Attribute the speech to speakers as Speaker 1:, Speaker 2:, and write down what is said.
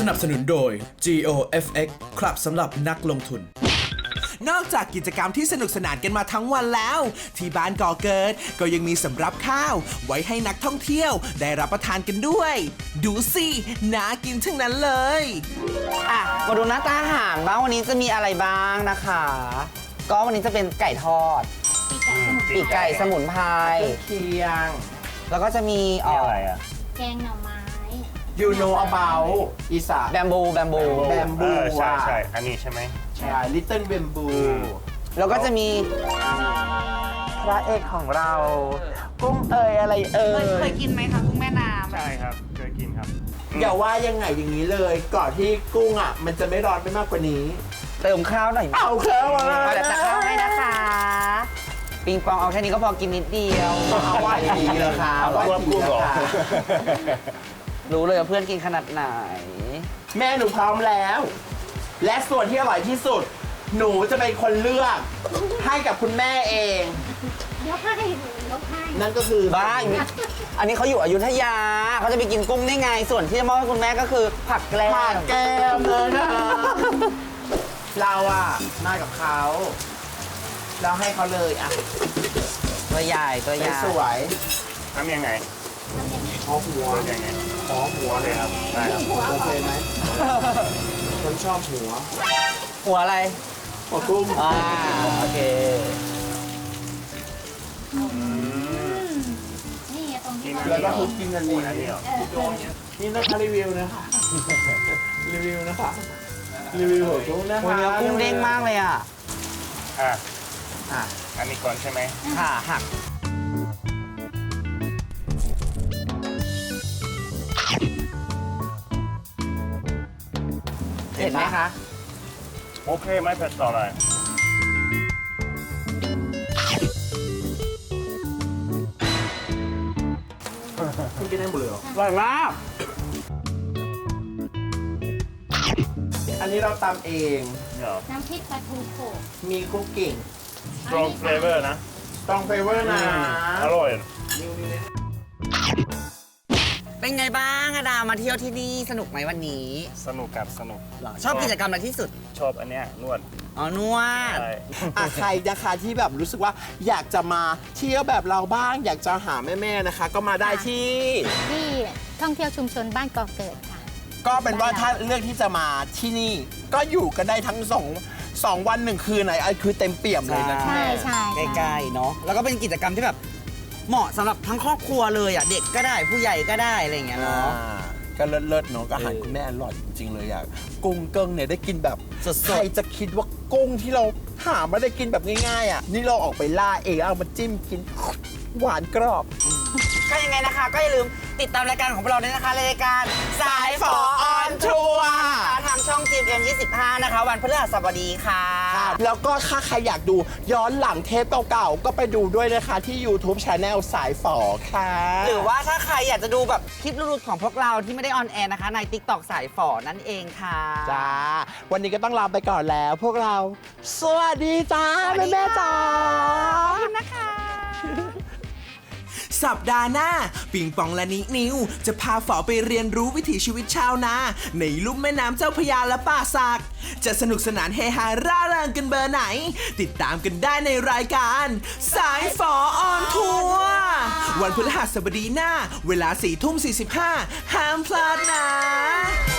Speaker 1: นับสนุนโดย GOFX ครับสำหรับนักลงทุน
Speaker 2: นอกจากกิจกรรมที่สนุกสนานกันมาทั้งวันแล้ว ที่บ้านก่อเกิดก็ยังมีสำรับข้าวไว้ให้นักท่องเที่ยวได้รับประทานกันด้วย ดูสิน่ากินทั้งนั้นเลย
Speaker 3: มาดูหน้าตาอาหารบ้างวันนี้จะมีอะไรบ้างนะคะ ก็วันนี้จะเป็นไก่ทอดปีกไก่สมุนไพรเคียงแล้วก็จะมี
Speaker 4: อะไรอ่ะ
Speaker 5: แกงหน่อไม้
Speaker 6: You know about อีสาน
Speaker 3: แบมบู
Speaker 6: แบมบู
Speaker 4: ใช่ใช่อันนี้ใช่ไหม
Speaker 6: ใช่ Little Bamboo
Speaker 3: แล้วก็จะมีพระเอกของเรากุ้งอะไร
Speaker 5: เคยกินไหมคะกุ้งแม่น้ำ
Speaker 4: ใช่ครับเคยกินครับ
Speaker 6: อย่าว่ายังไงอย่างนี้เลยก่อนที่กุ้งอ่ะมันจะไม่ร้อนไปมากกว่านี้
Speaker 3: เติมข้าวหน่อย
Speaker 6: เอาข้าวมา
Speaker 3: เดี๋ยวจะข้าวให้นะคะปิงปองเอาแค่นี้ก็พอกินนิดเดียว
Speaker 6: เอาว่าดีเลยค่ะ
Speaker 4: ว่ากุ้งหรอ
Speaker 3: รู้เลยว่าเพื่อนกินขนาดไหน
Speaker 6: แม่หนูพร้อมแล้ว และส่วนที่อร่อยที่สุดหนูจะเป็นคนเลือกให้กับคุณแม่เอง
Speaker 5: ยกให้
Speaker 6: นั่นก็คือ
Speaker 3: บ้าอันนี้เขาอยู่อยุธยาเขาจะไปกินกุ้งได้ไงส่วนที่จะมอบให้คุณแม่ก็คือผักแกล้
Speaker 6: มเลยนะเราอะมากับเขาเราให้เขาเลยอะ
Speaker 3: ตัวใหญ่
Speaker 6: สวย
Speaker 4: ทำยังไง
Speaker 6: ขอหัว
Speaker 4: ยังไง
Speaker 6: ขอหัว
Speaker 4: เลยครับได้ครับ
Speaker 6: โอเคไหมคนชอบ
Speaker 3: หัวอะไร
Speaker 6: หัวกุ้ง
Speaker 3: โอเค
Speaker 5: นี่ตรงที่
Speaker 6: แล้วก็คุกกิ้งกันดีนี่นะคะรีวิวนะคะรีวิวนะคะรีวิวหัวกุ้งนะคะ
Speaker 3: เนื้อกุ้งเด้งมากเลย
Speaker 4: อันนี้ก่อนใช่ไหม
Speaker 3: ค่ะหักเห็นไหมคะ
Speaker 4: โอเคไม่เผ็ดต่อเลย
Speaker 6: คุณกินได้หมดเลยเหรอ
Speaker 3: อร่อยมาก
Speaker 6: อันนี้เราตำเอง
Speaker 5: น้ำพริกปลาทูโขก
Speaker 6: มีคุกกิ้ง
Speaker 4: strong flavor นะ
Speaker 6: strong flavor นะ
Speaker 4: อร่อย
Speaker 3: เป็นไงบ้างดามาเที่ยวที่นี่สนุกไหมวันนี้
Speaker 4: สนุกครับสนุก
Speaker 3: ชอบกิจกรรมอะไรที่สุด
Speaker 4: ชอบอันเนี้ยนวด
Speaker 3: นวด
Speaker 6: ใครนะคะที่แบบรู้สึกว่าอยากจะมาเที่ยวแบบเราบ้างอยากจะหาแม่ๆนะคะ ก็มาได้ที่
Speaker 5: ท่องเที่ยวชุมชนบ้านก่อเกิดค่ะ
Speaker 6: ก็เป็นว่าถ้าเลือกที่จะมาที่นี่ก็อยู่กันได้ทั้ง2 วัน1 คืนไหนคือเต็มเปี่ยมเลยนะ
Speaker 5: ใช่
Speaker 3: ใกล้ๆเนาะแล้วก็เป็นกิจกรรมที่แบบเหมาะสำหรับทั้งครอบครัวเลยเด็กก็ได้ผู้ใหญ่ก็ได้อะไรอย่างเงี้ยเนาะ
Speaker 6: ก็เลิศเนาะอาหารคุณแม่อร่อยจริงๆเลยกุ้งเกิ้งเนี่ยได้กินแบบใครจะคิดว่ากุ้งที่เราหาไม่ได้กินแบบง่ายๆนี่เราออกไปล่าเองเอามาจิ้มกินหวานกรอบ
Speaker 3: ก็ยังไงนะคะก็อย่าลืมติดตามรายการของเราด้วยนะคะรายการสายฝอออนทัวร์ทางช่อง GMM 25นะคะวันพฤหัสบดีค่ะ
Speaker 6: แล้วก็ถ้าใครอยากดูย้อนหลังเทปเก่าๆก็ไปดูด้วยนะคะที่ YouTube Channel สายฝอค่ะ
Speaker 3: หรือว่าถ้าใครอยากจะดูแบบคลิปหลุดๆของพวกเราที่ไม่ได้ออนแอร์นะคะใน TikTok สายฝอนั่นเองค่ะ
Speaker 6: จ้าวันนี้ก็ต้องลาไปก่อนแล้วพวกเราสวัสดีจ้าแม่ๆจ้า
Speaker 5: ขอบคุณนะคะ
Speaker 2: สัปดาห์หน้าปิงปองและนิวจะพาฝอไปเรียนรู้วิถีชีวิตชาวนาในลุ่มแม่น้ำเจ้าพระยาและป่าสักจะสนุกสนานเฮฮาร่าเริงกันเบอร์ไหนติดตามกันได้ในรายการสายฝอออนทัวร์วันพฤหัสบดีหน้าเวลา 4:45 ห้ามพลาดนะ